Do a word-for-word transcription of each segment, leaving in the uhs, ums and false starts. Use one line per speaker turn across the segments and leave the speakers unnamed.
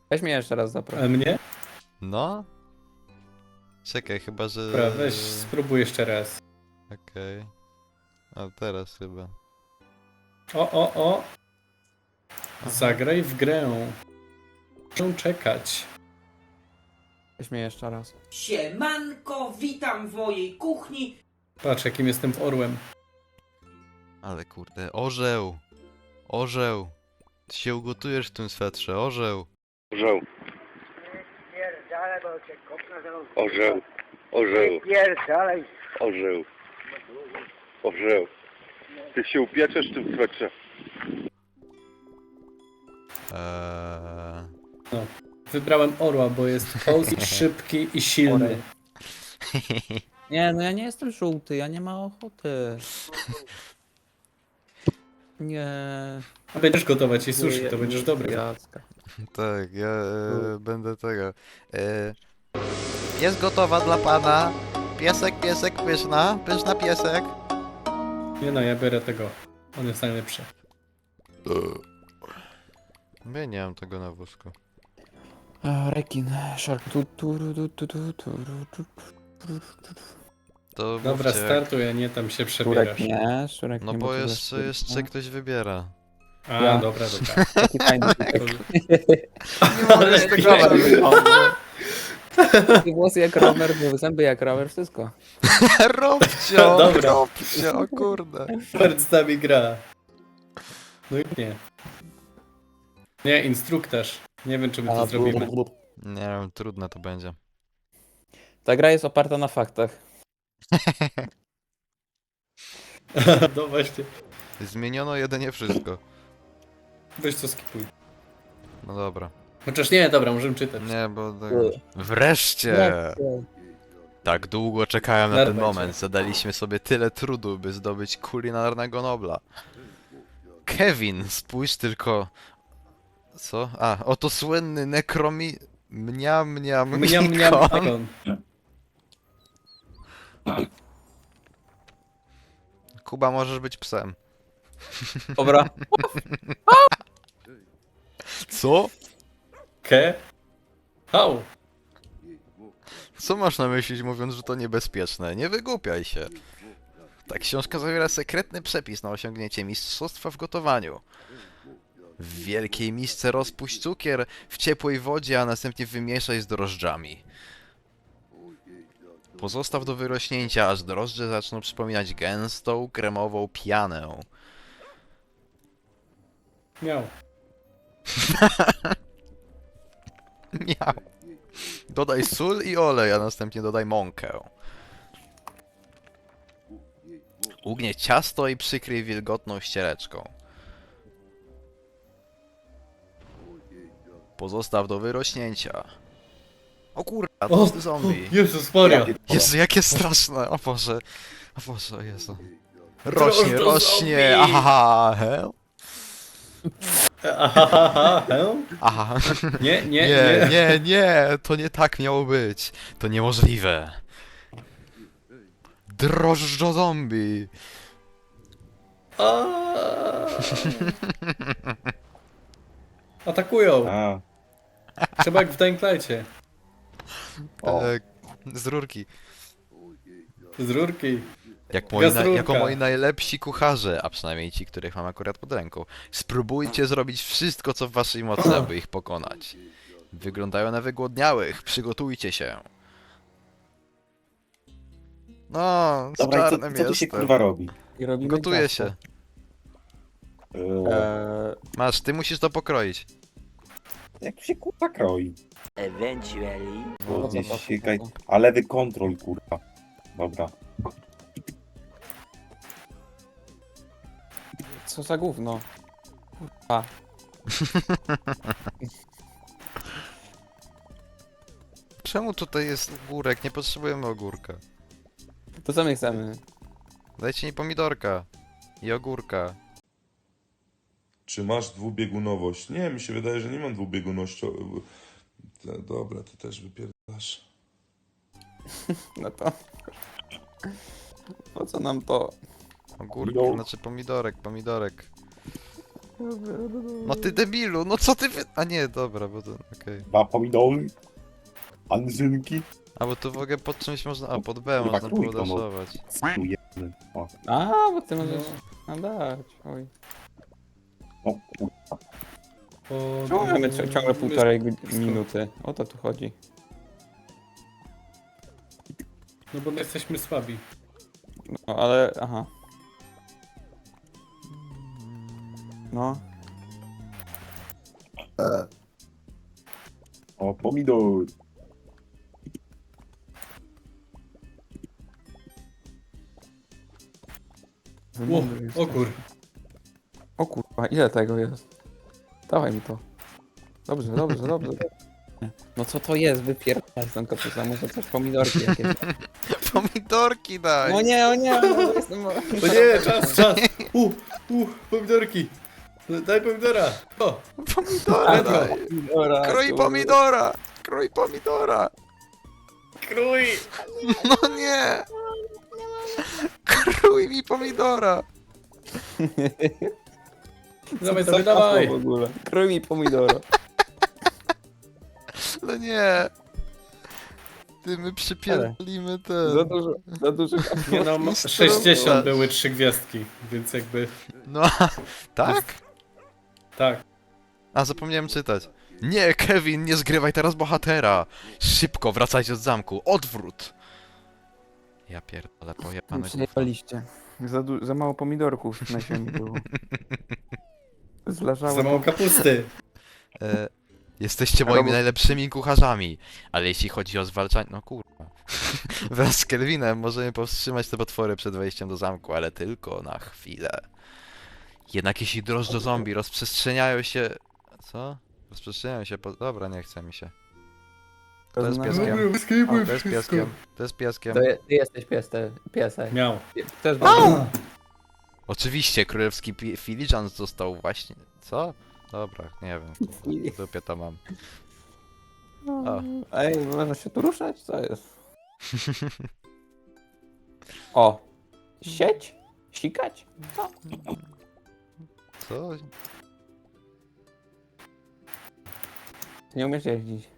Weź mnie jeszcze raz
A
zaproś.
mnie?
No? Czekaj, chyba że...
Dobra, weź spróbuj jeszcze raz.
Okej. A teraz chyba.
O, o, o!
Aha.
Zagraj w grę. Muszę czekać.
Weź mnie jeszcze raz.
Siemanko, witam w mojej kuchni.
Patrz, jakim jestem orłem.
Ale kurde, orzeł! Orzeł! Ty się ugotujesz w tym swetrze, orzeł!
Orzeł,
Pierdalaj, bo cię kopnę za nos.
orzeł, orzeł,
Pierdalaj.
orzeł, orzeł. Ty się upieczesz w tym swetrze.
Eee...
Wybrałem orła, bo jest polski, szybki i silny.
Orel. Nie, no ja nie jestem żółty, ja nie mam ochoty. Nie.
A będziesz gotować i sushi, to będziesz dobry.
Jacka.
Tak, ja e, będę tego. E, jest gotowa dla pana. Piesek, piesek, pyszna. Pyszna piesek.
Nie no, ja biorę tego. On jest najlepszy.
Ja nie mam tego na wózku.
A, rekin, shark. Tu, tu, tu, tu, tu, tu, tu, tu, tu.
To
Dobra,
mówcie, jak-
startuj, a nie tam się przebierasz.
Szurek nie, szurek
No
nie.
bo
to
jeszcze,
jest-
jeszcze ktoś wybiera.
A,
Ja.
dobra, dobra.
Taki fajny typek.
Ale
z
ty
tego
fajny.
Takie włosy jak rower, zęby jak rower, wszystko.
Robcio!
Dobra.
Robcio, o kurde.
Robert z nami gra. No i nie. Nie, instruktaż. Nie wiem, czy my to
A,
zrobimy.
blub, blub.
Nie wiem, trudne to będzie.
Ta gra jest oparta na faktach.
No właśnie.
Zmieniono jedynie wszystko.
Weź co skipuj.
No dobra.
Chociaż nie, dobra, możemy czytać.
Nie, bo... Tak... Wreszcie! Tak długo czekałem na ten
Dawajcie.
moment. Zadaliśmy sobie tyle trudu, by zdobyć kulinarnego Nobla. Kevin, spójrz tylko... Co? A, oto słynny nekromi... Mniam, mniam,
Mniam, mniam,
mnikon.
mniam.
Kuba, możesz być psem.
Dobra.
Co?
Ke? Hał.
Co masz na myśli, mówiąc, że to niebezpieczne? Nie wygłupiaj się. Ta książka zawiera sekretny przepis na osiągnięcie mistrzostwa w gotowaniu. W wielkiej misce rozpuść cukier w ciepłej wodzie, a następnie wymieszaj z drożdżami. Pozostaw do wyrośnięcia, aż drożdże zaczną przypominać gęstą, kremową pianę.
Miał.
Miał. Dodaj sól i olej, a następnie dodaj mąkę. Ugnieć ciasto i przykryj wilgotną ściereczką. Pozostaw do wyrośnięcia. O kurwa, to
O,
jest zombie.
Jezus Maria.
Jezu, jakie straszne, o Boże. O Boże, o Jezu. Rośnie,
Drożdżo
rośnie,
zombie.
aha, he?
Aha, aha, he?
Aha.
Nie, nie,
Nie,
nie.
nie, nie, to nie tak miało być. To niemożliwe. Drożdżo zombie.
A. Atakują.
A,
Trzeba jak w Dying Light'cie.
O.
E, z rurki.
Z rurki.
Jak moi na,
Gazrurka.
jako moi najlepsi kucharze, a przynajmniej ci, których mam akurat pod ręką. Spróbujcie zrobić wszystko, co w waszej mocy, aby ich pokonać. Wyglądają na wygłodniałych, przygotujcie się. No, z
Dobra, i
czarnym
co, co tu się
jestem.
kurwa robi?
I robimy
Gotuje
ciasto.
się.
Eee,
Eee,
Masz, ty musisz to pokroić.
jak tu się kurwa kroi?
Eventually.
Bo
No,
gdzieś
zobacz,
się
no.
kaj... A lewy kontrol kurwa. Dobra.
co za gówno? Kurwa.
Czemu tutaj jest ogórek? Nie potrzebujemy ogórka.
To co my chcemy?
Dajcie mi pomidorka. I ogórka.
Czy masz dwubiegunowość? Nie, mi się wydaje, że nie mam dwubieguności. Te- Dobra, ty też wypierdasz.
No to... Po co nam to?
Ogórki,
Jo.
znaczy pomidorek, pomidorek. No ty debilu, no co ty wy... A nie, dobra, bo to... okej.
Dwa pomidory. Anżynki.
A bo tu w ogóle pod czymś można... A, pod B
Kurwa,
można było
trójką, no.
daszować.
Tu jeden. O,
A, bo ty możesz nadać. Oj.
o kurwa.
Po...
Czemu mamy cio- ciągle półtorej gud- minuty? O to tu chodzi.
No bo my jesteśmy słabi.
No, ale... aha. No.
O, pomidor.
O, o kur...
O kurwa, ile tego jest? Dawaj mi to. Dobrze, dobrze, dobrze. No co to jest? Wypierdalać tą kapusta, może coś pomidorki jakieś.
Pomidorki daj!
No nie, o nie, no, jestem...
O nie, czas, czas! U, u, pomidorki! Daj pomidora! O!
Pomidora daj!
Dobra,
Kroj
kurwa.
pomidora! Kroj pomidora!
Krój!
No nie! Krój mi pomidora!
Dawaj,
Co
dawaj,
to
dawaj!
w ogóle? Krój mi pomidora.
No nie! Ty, my przypierdolimy
Za
ten...
dużo, za dużo.
Nie no, ma- sześćdziesiąt były trzy gwiazdki, więc jakby...
No, tak?
Tak.
A, zapomniałem czytać. Nie, Kevin, nie zgrywaj teraz bohatera! Szybko, wracajcie z zamku, odwrót! Ja pierdolę, pojebane gówno.
Przyjechaliście. Za, du- za mało pomidorków na ziemi było. Zleżało
Za mało kapusty.
E, jesteście moimi
Robot-
najlepszymi kucharzami, ale jeśli chodzi o zwalczanie... No kurwa. Wraz z Kelvinem możemy powstrzymać te potwory przed wejściem do zamku, ale tylko na chwilę. Jednak jeśli drożdże zombie rozprzestrzeniają się... Co? Rozprzestrzeniają się po... Dobra, nie chce mi się. To jest pieskiem. O, to jest pieskiem. To jest pieskiem.
To je, ty jesteś piesem, piesek.
Miał.
Też
Oczywiście, królewski pi- filiżan został właśnie... Co? Dobra, nie wiem. W dupie to mam. O.
Ej, można się tu ruszać? Co jest? O! Sieć? Sikać? Co?
Co?
Nie umiesz jeździć.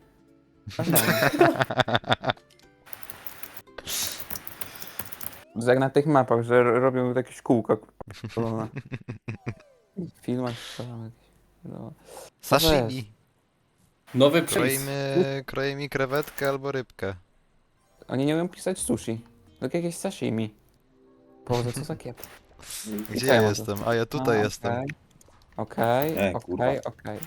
To jak na tych mapach, że ro- robią jakieś kółka. kurwa. W filmach strzelam jakieś. No.
Sashimi.
Nowy przepis.
Kroimy, kroimy krewetkę albo rybkę.
Oni nie umieją pisać sushi. Tylko jakieś sashimi. Boże, co za kiep.
Gdzie
ja
ja
mam
jestem? A ja tutaj
A,
jestem.
Okej,
E,
okej,
kurwa.
okej, okej.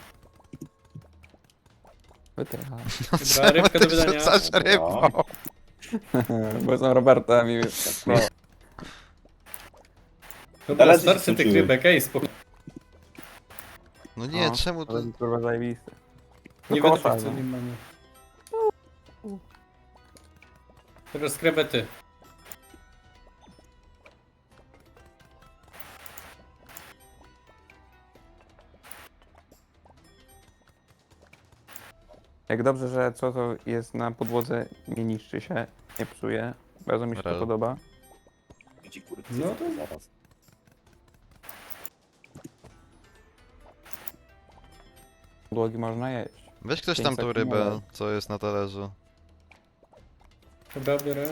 Wytrycham.
Dobra, rybka do wydania.
Rzucasz rybą.
Bo są Roberta mi... No.
Dobra,
Ale
starczy tych
skończyły.
rybek, ej, spokojnie.
No nie,
No,
czemu to...
Ale kurwa zajebiste.
Nie
Tylko
będę tych, co
fajne.
nie mamy. Teraz krewety.
Jak dobrze, że co to jest na podłodze nie niszczy się, nie psuje. Bardzo mi się to
Rel.
podoba.
Ci kurwa,
No to-
zaraz.
Podłogi można jeść.
Weź ktoś
Pięć
tam tą
sekund
rybę,
dalej.
co jest na talerzu.
Dobra, biorę.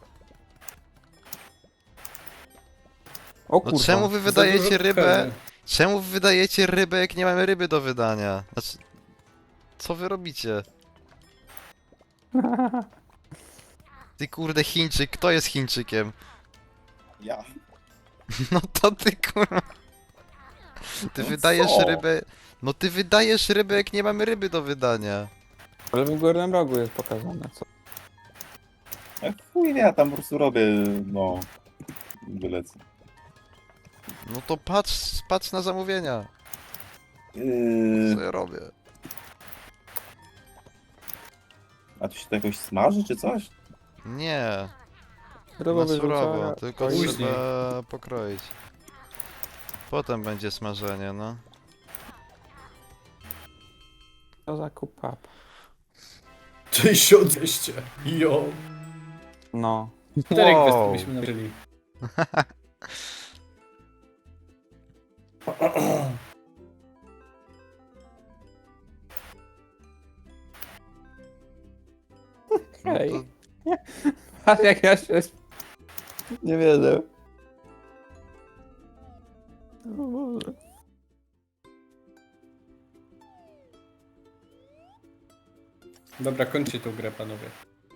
O
No
kurwa.
czemu wy
Za
wydajecie
dużo
rybę?
krewet.
Czemu wy wydajecie rybę, jak nie mamy ryby do wydania? Znaczy... Co wy robicie? Ty kurde Chińczyk, kto jest Chińczykiem?
Ja.
No to ty kurwa. Ty
No
wydajesz
co?
rybę... No ty wydajesz rybę, jak nie mamy ryby do wydania.
Ale w górnym rogu jest pokazane, co?
Ja chuj wie, ja tam po prostu robię, no... Wylecę.
No to patrz, patrz na zamówienia.
Yy,
Co ja robię?
a tu się to jakoś smaży, czy coś?
Nie,
Ryba
na surowo,
wyrzucona.
tylko
Później.
trzeba pokroić. Potem będzie smażenie, no.
Co za kupap.
tysiąc dwieście. Jo.
No.
Czterech
Wow.
gwiazdek byśmy nażyli.
No
Ej.
to
A jak ja się... Nie wierzę. O Boże.
Dobra, kończcie tą grę, panowie.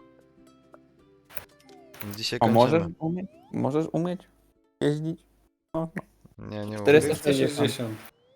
dzisiaj
A
kończymy.
możesz umieć? Możesz umieć jeździć? No, no.
Nie, nie
czterysta
umiem.
czterysta sześćdziesiąt.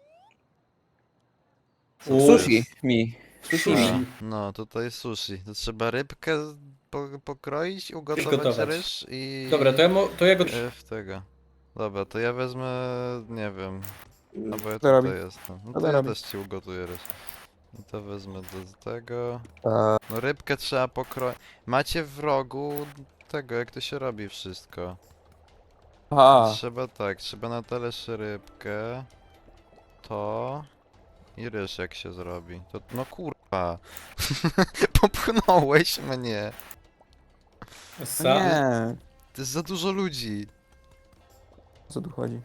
Sushi mi. Sushi mi.
Sushi.
No, tutaj sushi. To trzeba rybkę po, pokroić, ugotować
Przygotować.
ryż i...
Dobra, to ja, mo- to ja go...
E, w tego. Dobra, to ja wezmę, nie wiem, no bo ja
Co robi?
tutaj jestem. No
Co
to ja
robi?
też ci ugotuję ryż. I to wezmę do tego.
A,
No rybkę trzeba pokroić. Macie w rogu tego, jak to się robi wszystko.
Aha.
Trzeba tak, trzeba na talerz rybkę. To... I ryż jak się zrobi. To, no kurwa. Popchnąłeś mnie.
Sa...
Nie.
To jest za dużo ludzi.
O co tu chodzi?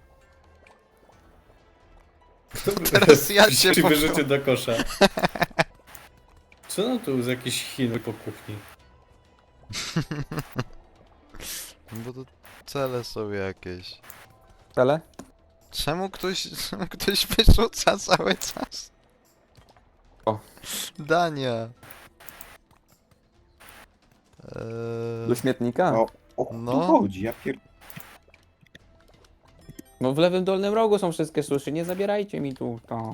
Teraz ja cię
Ci
popchnę.
wyrzucił do kosza. Co no tu z jakiś Chin po kuchni?
Bo to cele są jakieś.
Tele?
Czemu ktoś, czemu ktoś wyrzuca cały czas?
O.
Dania.
Do
Eee,
śmietnika?
No, o co
No.
tu chodzi? Ja pier...
No w lewym dolnym rogu są wszystkie suszy, nie zabierajcie mi tu to.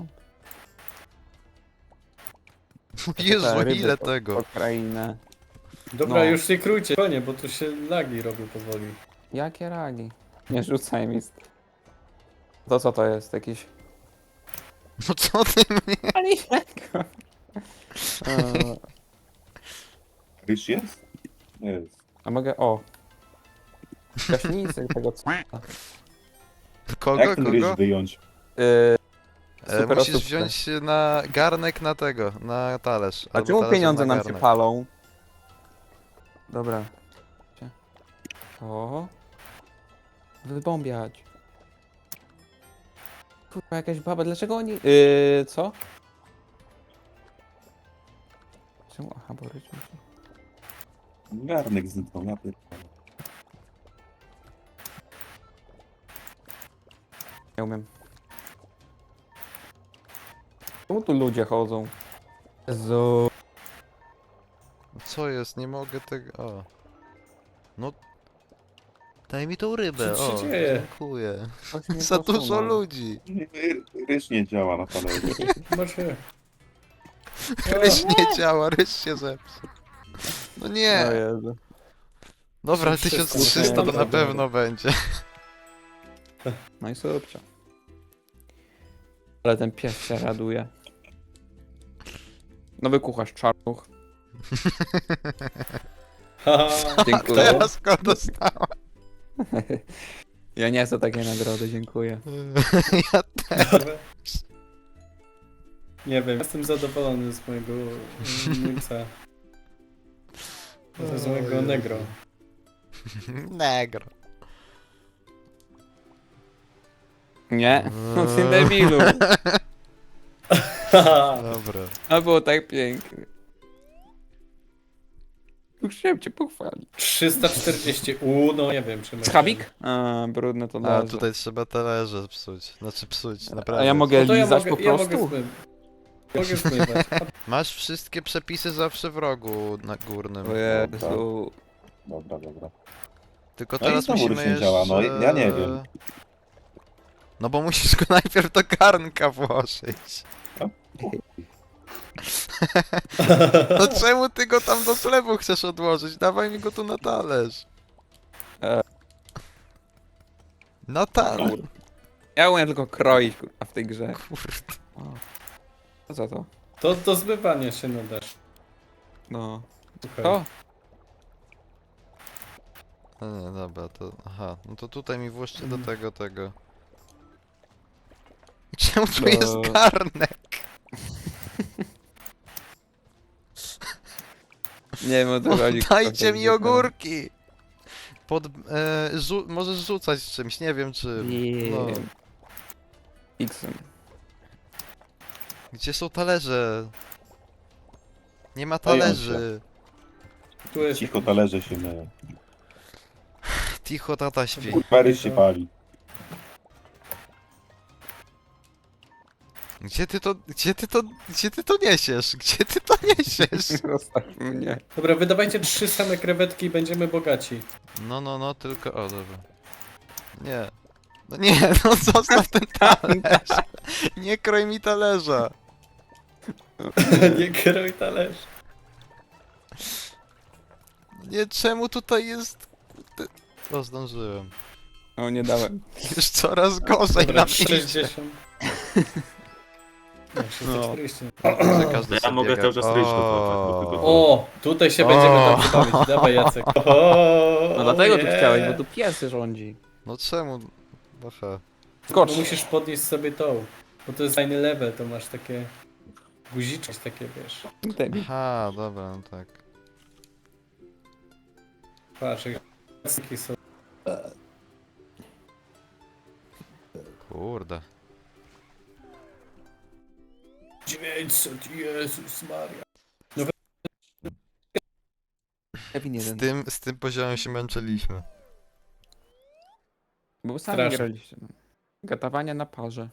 Jezu,
Te ryby
ile
po-
tego?
po krainę.
Dobra,
No.
już nie krójcie, konie, bo tu się lagi robią powoli.
Jakie ragi? Nie rzucaj mi. z- To co to jest? Jakiś...
No co ty mnie?
Paliwko. Eee,
Ryż jest? Jest.
A mogę... O. Gaśnicy tego co...
Kogo,
Jak ten ryż
kogo?
wyjąć?
Yy,
E,
super
musisz
osóbkę.
wziąć na garnek na tego, na talerz.
A
albo
czemu
talerz
pieniądze
na
nam się
garnek.
palą? Dobra. O. Wybombiać. Kurwa, jakaś baba, dlaczego oni... Yy, co? Czemu? Aha, bo ryć musi...
Garnek zniknął, ja pierdolę.
Nie umiem. Czemu tu ludzie chodzą? Jezu.
Co jest? Nie mogę tego... O. No... Daj mi tą rybę,
Co się
o.
dzieje?
Dziękuję.
Ktoś mnie
Za dużo
posunął.
ludzi.
Ry- Ryż nie działa na talerzu.
Może...
Ryż nie działa, ryż się zepsuł. No
O
nie.
Jezu.
Dobra,
trzysta,
tysiąc trzysta to na
dobra.
pewno będzie.
No i subcia. Ale ten pies się raduje. Nowy kucharz czarnuch.
Haha,
Dziękuję.
Teraz go dostałem.
Ja nie chcę takiej nagrody, dziękuję.
Ja
dobra. Nie wiem, jestem zadowolony z mojego mm, Nilsa. Z mojego negro.
Negro.
Nie? No ty debilu.
Haha.
Dobra.
A było tak pięknie. Chciałem cię pochwalić.
trzysta czterdzieści. U, no nie wiem, czy...
Schabik? A, brudne to
A
dobrze.
tutaj trzeba talerze psuć. Znaczy psuć,
A
naprawdę.
ja mogę
No to ja
lizać
mogę,
po
ja
prostu?
mogę zmywać. Mogę zmywać.
Masz wszystkie przepisy zawsze w rogu na górnym.
O Jezu.
Dobra, dobra.
Tylko
No i
teraz
znowu
musimy
ryż nie
jeszcze...
działa, no ja nie wiem.
No bo musisz go najpierw do garnka włożyć. No czemu ty go tam do zlewu chcesz odłożyć? Dawaj mi go tu na talerz.
E.
Na talerz.
Ja umiem tylko kroić kurwa, w tej grze.
Kurde.
O. Co za to?
To do zmywania się nadasz.
No.
Słuchaj.
To?
No nie, dobra, to... Aha, no to tutaj mi włóżcie do tego, tego. Czemu tu
No.
jest garnek?
Nie wiem o co chodzi.
Dajcie mi ogórki! Pod... E, rzu możesz rzucać czymś, nie wiem czy...
Nie.
No.
X-em.
Gdzie są talerze? Nie ma
Stoją
talerzy.
Tu jest...
Cicho, talerze się myją.
Ticho, tata śpi.
Kurwa, ryż się pali.
Gdzie ty to, gdzie ty to, gdzie ty to niesiesz? Gdzie ty to niesiesz?
Zostaw mnie.
Dobra, wydawajcie trzy same krewetki i będziemy bogaci.
No, no, no, tylko, o, dobra. Nie. No nie, no zostaw ten talerz. Nie kroj mi talerza.
Nie kieruj talerz.
Nie, czemu tutaj jest... Ty- O, zdążyłem.
O, nie dałem.
Już coraz gorzej
Dobra,
na mnie idzie.
sześćdziesiąt. Nie, sześćset czterdzieści.
Że każdy
Ja
sobie
mogę
biega.
cały czas ryż gotować, bo tylko-
O, tutaj się
O.
będziemy dobrze bawić. Dawaj, Jacek. O,
No dlatego tu
nie.
chciałeś, bo tu pies rządzi.
No czemu? Aha.
No
Skocz.
musisz podnieść sobie tą. Bo to jest fajny level, to masz takie... Guziczki takie, wiesz.
Debil.
Aha, dobra, no tak.
Patrz, jak takie są.
Kurde.
dziewięćset, Jezus Maria.
Kevin
Z
jeden.
tym, z tym poziomem się męczyliśmy.
Bo sami
Strasznie.
graliście. No. Gotowanie na parze.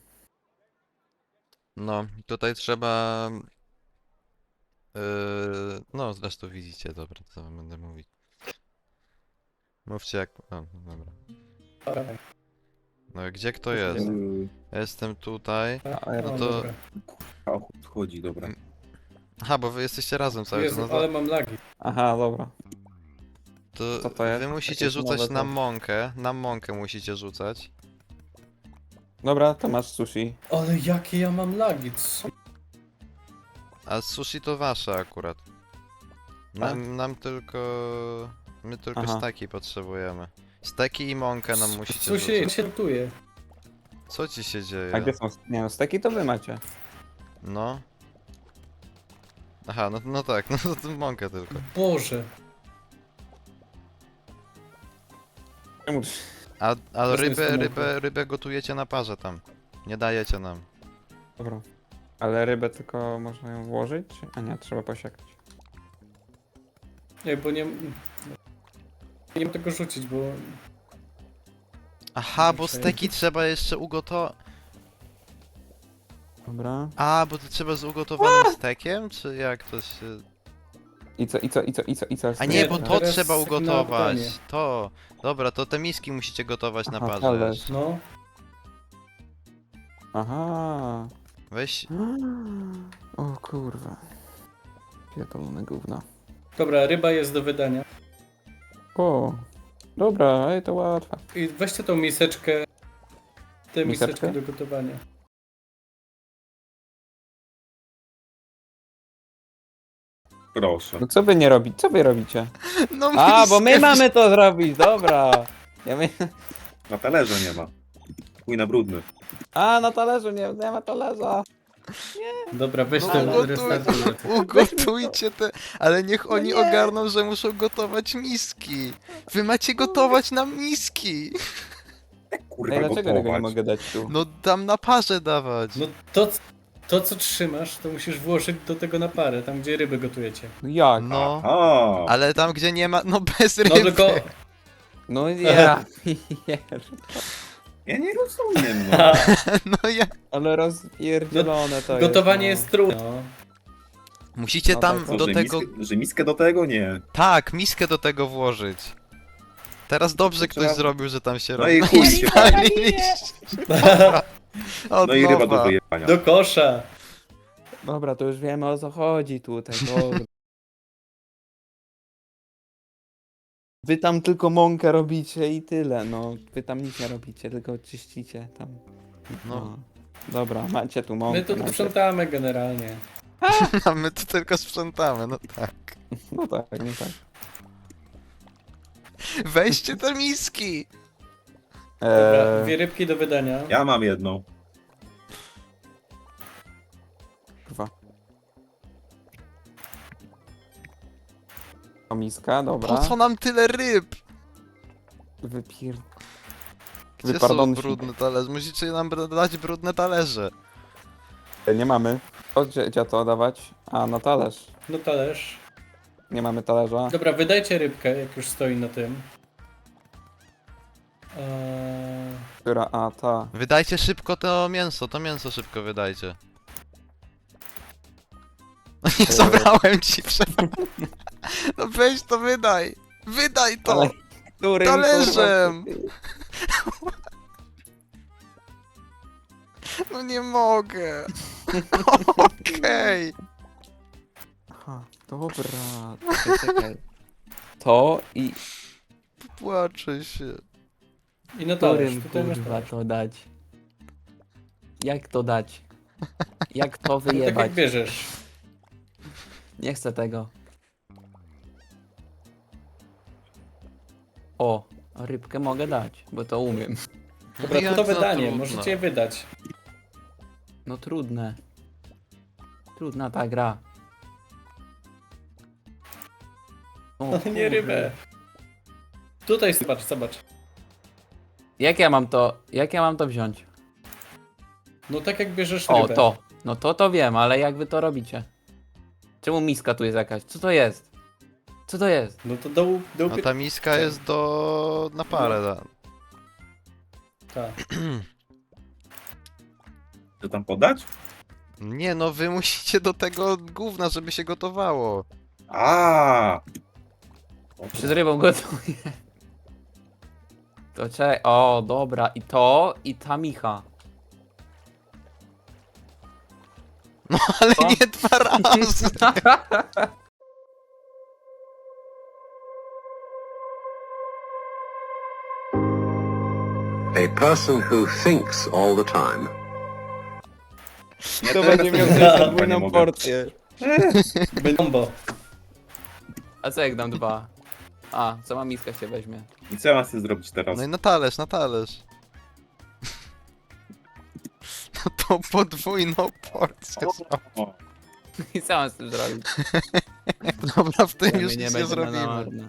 No, tutaj trzeba... Yy, no, zresztą widzicie, dobra, co wam będę mówić. Mówcie jak... O, dobra.
Dawaj.
No, gdzie kto jest?
Yy,
Ja jestem tutaj.
A ja
No
O,
to-
dobra.
A ochód chodzi, dobra.
Aha, bo wy jesteście razem cały czas.
Jezu,
No to,
ale mam lagi.
Aha, dobra.
to,
co to jest?
wy musicie
Jakieś
rzucać
nowe
na
to-
mąkę. Na mąkę musicie rzucać.
Dobra, to masz sushi.
Ale jakie ja mam lagi, co?
A sushi to wasze akurat. Nam, nam tylko... My tylko
Aha.
steki potrzebujemy. Steki i mąkę nam musicie
Co się,
rzucać.
się rotuje?
Co ci się dzieje?
A gdzie są... Nie no, steki to wy macie.
No. Aha, no, no tak, no to mąkę tylko.
Boże.
Czemu?
A, a
To jest
rybę,
mąka.
rybę, rybę gotujecie na parze tam. Nie dajecie nam.
Dobra. Ale rybę tylko można ją włożyć? A nie, trzeba posiekać.
Nie, bo nie... Nie mam tego rzucić, bo...
Aha, bo
Okej.
steki trzeba jeszcze ugotować.
Dobra.
A, bo to trzeba z ugotowanym stekiem? Czy jak to się...
I co, i co, i co, i co, i co?
A
Nie,
nie, bo
to
to
teraz
trzeba
na
ugotować.
pytanie.
To. Dobra, to te miski musicie gotować na
Aha,
parze.
talerz.
No.
Aha.
Weź...
O kurwa. Pierdolone gówno.
Dobra, ryba jest do wydania.
O. Dobra, ej, to łatwe.
I weźcie tą miseczkę. Tę
Miseczkę?
miseczkę do gotowania.
Proszę.
No co wy nie robicie? Co wy robicie?
No
A, bo my
miskę
mamy to zrobić, dobra. Ja my...
Na talerze nie ma. Chuj na brudny.
A, na talerzu nie, nie ma talerza.
Dobra, weź
No,
ten
ugotuj-
restartuję.
Ugotujcie te, ale niech oni
nie.
ogarną, że muszą gotować miski. Wy macie gotować nam miski.
Kurwa,
Ej, dlaczego tego nie
gotować.
mogę dać tu?
No tam na parze dawać.
No to, to co trzymasz, to musisz włożyć do tego na parę, tam gdzie ryby gotujecie.
No jak?
No,
A,
ale tam gdzie nie ma, no bez ryby.
No tylko...
No ja pier...
ja nie rozumiem, no.
No ja...
Ale rozpierdzielone to
Gotowanie
jest.
jest trudne. No.
Musicie
No
tam
tak,
Co,
do
że,
tego...
miskę, że miskę do tego? Nie.
Tak, miskę do tego włożyć. Teraz dobrze ktoś
Trzeba-
zrobił, że tam się
No
robi.
i chuj się pali.
Od
No i ryba do
nowa.
wyjebania.
Do kosza.
Dobra, to już wiemy o co chodzi tutaj, dobra. Wy tam tylko mąkę robicie i tyle, no. Wy tam nic nie robicie, tylko czyścicie tam.
No.
No. Dobra, macie tu mąkę.
My tu
macie...
sprzątamy generalnie.
A my tu tylko sprzątamy, no tak.
No tak, no tak.
Weźcie te miski!
Dobra,
Eee,
dwie rybki do wydania.
Ja mam jedną.
kurwa. O, miska, dobra.
Po co nam tyle ryb?
Wypier...
Gdzie są
Wypardon-
brudne talerze? Musicie nam dać brudne talerze.
Nie mamy. O, gdzie, gdzie to dawać? A, na talerz.
No talerz.
Nie mamy talerza.
Dobra, wydajcie rybkę, jak już stoi na tym. Eee...
Która, a ta.
Wydajcie szybko to mięso, to mięso szybko wydajcie. No nie zabrałem ci, przepraszam. No weź to wydaj! Wydaj to!
Ale- Którym,
Talerzem!
kurwa,
No nie mogę! Okej!
Aha, dobra. Czekaj, czekaj. To i
Płaczę się.
I na talerz,
którym
tutaj masz
kurwa
talerz.
to dać? Jak to dać? Jak to
No tak
wyjebać?
jak bierzesz.
Nie chcę tego. O, rybkę mogę dać, bo to umiem.
Dobra,
Jak
to
za
wydanie,
trudno.
możecie je wydać.
No trudne. Trudna ta gra. O,
Ale nie
kurde.
rybę. Tutaj zobacz, zobacz.
Jak ja mam to, jak ja mam to wziąć?
No tak jak bierzesz
O,
rybę.
to. No to to wiem, ale jak wy to robicie? Czemu miska tu jest jakaś? Co to jest? Co to jest?
No to do, do
No ta miska jest do... na parę. Da.
Tak.
Co tam podać?
Nie no, wy musicie do tego gówna, żeby się gotowało.
A.
Czy z rybą gotuję? To czekaj. O, dobra. I to, i ta micha.
No ale
Co?
nie dwa razy.
A person who thinks all the time.
Nie,
To
teraz
będzie miał
nie
też
mogę.
podwójną
mogę.
porcję.
Bombo.
A co jak dam dwa? A, sama miska się weźmie.
I co ja mam sobie zrobić teraz?
No i na talerz, na talerz. No to podwójną porcję.
O,
I co mam z tym zrobić?
Dobra, w tym
Ja
już
mnie
nic nie
będzie na
zrobimy.
marne.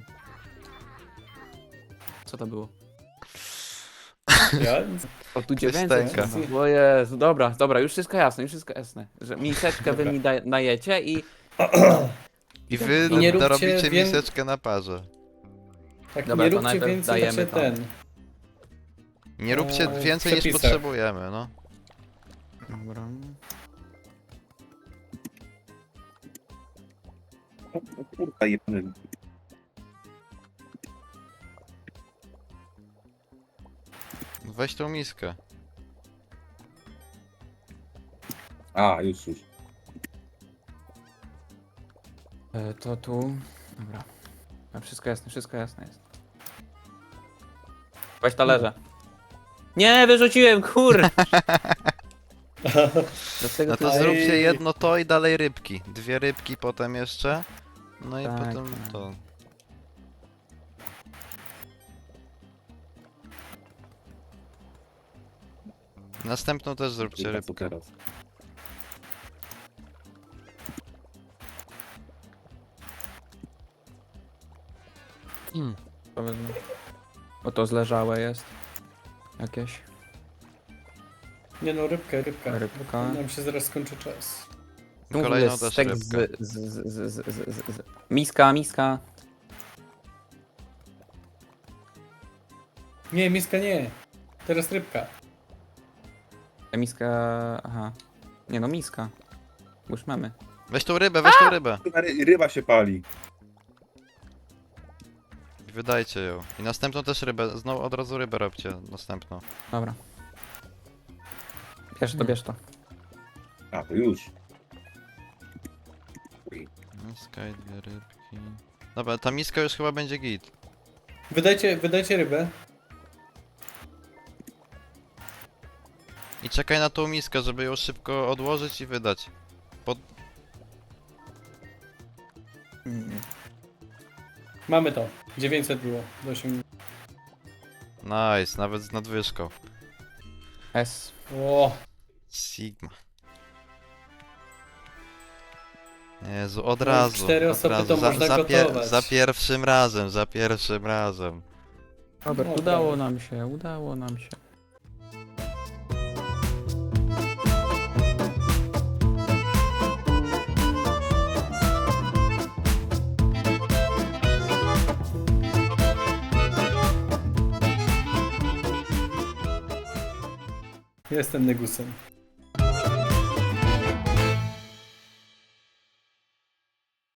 Co to było?
Ja?
O, tu dziewięćset.
stęka.
O Jezu, dobra, dobra, już wszystko jasne, już wszystko jasne. Że miseczkę wy mi daj, najecie i...
I wy
I nie róbcie
dorobicie
wię-
miseczkę na parze.
Tak,
Dobra,
nie
to
róbcie
najpierw
więcej,
dajemy
znaczy
tam.
ten.
Nie róbcie
Eee,
więcej niż
przepisach.
potrzebujemy, no.
Dobra.
kurwa, jebany.
Weź tą miskę.
A, już, już.
E, to tu... Dobra. A wszystko jasne, wszystko jasne jest. Weź talerze. Nie, wyrzuciłem, kur! Dlaczego
No
ty...
to
Ej.
zróbcie jedno to i dalej rybki. Dwie rybki potem jeszcze. No i
Tak,
potem
tak.
to. Następną też zróbcie
Kurwa, co
rybkę.
teraz?
Powiedzmy. O, to zleżałe jest. Jakieś.
Nie no, rybka, rybka.
Rybka.
Nam się zaraz skończy czas.
Tu
Kolejną
jest
też
stek z,
rybkę.
z, z, z, z, z, z, z. Miska, miska.
Nie, miska nie. Teraz rybka.
Ta miska... Aha. Nie no, miska. Bo już mamy.
Weź tą rybę, weź tą rybę.
Kurwa, ry- ryba się pali.
Wydajcie ją. I następną też rybę. Znowu od razu rybę robcie. Następną.
Dobra. Bierz to, bierz to.
A, to już.
Miska i dwie rybki. Dobra, ta miska już chyba będzie git.
Wydajcie, wydajcie rybę.
I czekaj na tą miskę, żeby ją szybko odłożyć i wydać.
Mm.
Mamy to. dziewięćset było. Do osiem...
Nice, nawet z nadwyżką.
S.
O,
Sigma. Jezu, od razu.
cztery
od
osoby
razu.
to
za,
można
za,
gotować.
za pierwszym razem, za pierwszym razem.
Robert,
No,
udało
prawie.
nam się, udało nam się.
Jestem negusem.